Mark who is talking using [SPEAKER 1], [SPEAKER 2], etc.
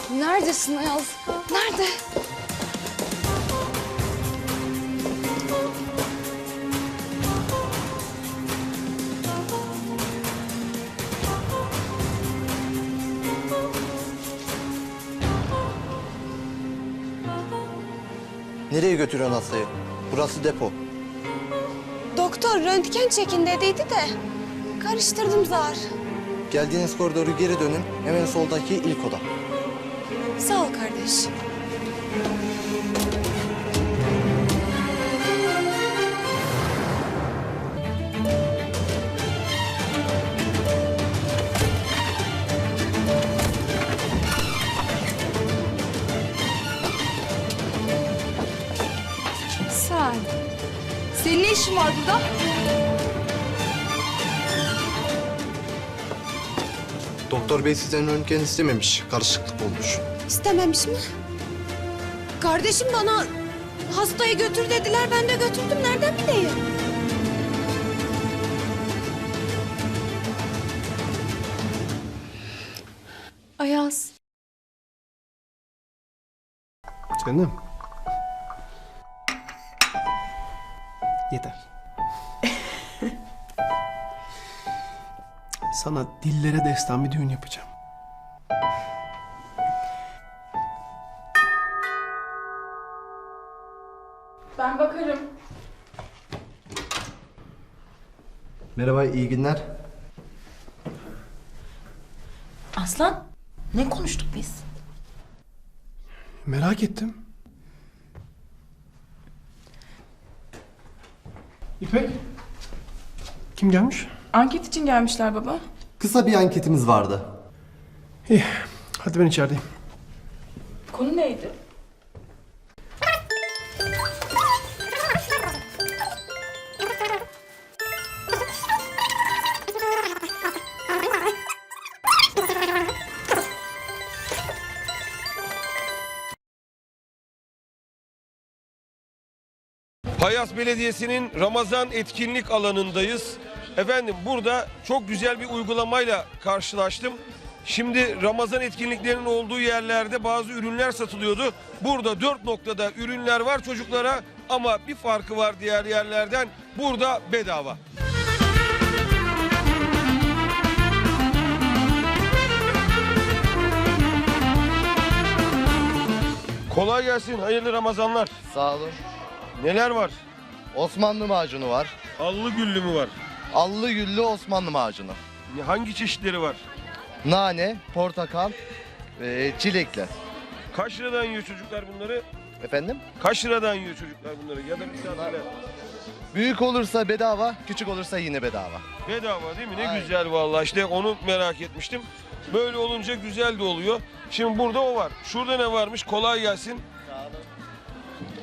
[SPEAKER 1] Neredesin Ayaz? Nerede?
[SPEAKER 2] Nereye götürüyorsun hastayı? Burası depo.
[SPEAKER 1] Doktor röntgen çekin dediydi de karıştırdım zar.
[SPEAKER 2] Geldiğiniz koridoru geri dönün. Hemen soldaki ilk oda.
[SPEAKER 1] Sağ ol kardeş.
[SPEAKER 3] Senin ne işin var burada?
[SPEAKER 2] Doktor bey sizden röntgen istememiş. Karışıklık olmuş.
[SPEAKER 1] İstememiş mi? Kardeşim bana hastayı götür dediler. Ben de götürdüm. Nereden bileyim? Ayaz.
[SPEAKER 4] Canım. Yeter. Sana dillere destan bir düğün yapacağım.
[SPEAKER 3] Ben bakarım.
[SPEAKER 2] Merhaba, iyi günler.
[SPEAKER 5] Aslan, ne konuştuk biz?
[SPEAKER 4] Merak ettim. İpek. Kim gelmiş?
[SPEAKER 3] Anket için gelmişler baba.
[SPEAKER 2] Kısa bir anketimiz vardı.
[SPEAKER 4] İyi. Hadi ben içerideyim.
[SPEAKER 3] Konu neydi?
[SPEAKER 6] Payas Belediyesi'nin Ramazan etkinlik alanındayız. Efendim burada çok güzel bir uygulamayla karşılaştım. Şimdi Ramazan etkinliklerinin olduğu yerlerde bazı ürünler satılıyordu. Burada 4 noktada ürünler var çocuklara ama bir farkı var diğer yerlerden. Burada bedava. Kolay gelsin, hayırlı Ramazanlar.
[SPEAKER 7] Sağ olun.
[SPEAKER 6] Neler var?
[SPEAKER 7] Osmanlı macunu var.
[SPEAKER 6] Allı güllü mü var?
[SPEAKER 7] Allı güllü Osmanlı macunu.
[SPEAKER 6] Hangi çeşitleri var?
[SPEAKER 7] Nane, portakal, çilekle.
[SPEAKER 6] Kaç liradan yiyor çocuklar bunları?
[SPEAKER 7] Efendim?
[SPEAKER 6] Kaç liradan yiyor çocuklar bunları ya da misafirler?
[SPEAKER 7] Büyük olursa bedava, küçük olursa yine bedava.
[SPEAKER 6] Bedava değil mi? Ne
[SPEAKER 7] Aynen.
[SPEAKER 6] güzel vallahi, işte onu merak etmiştim. Böyle olunca güzel de oluyor. Şimdi burada o var. Şurada ne varmış? Kolay gelsin.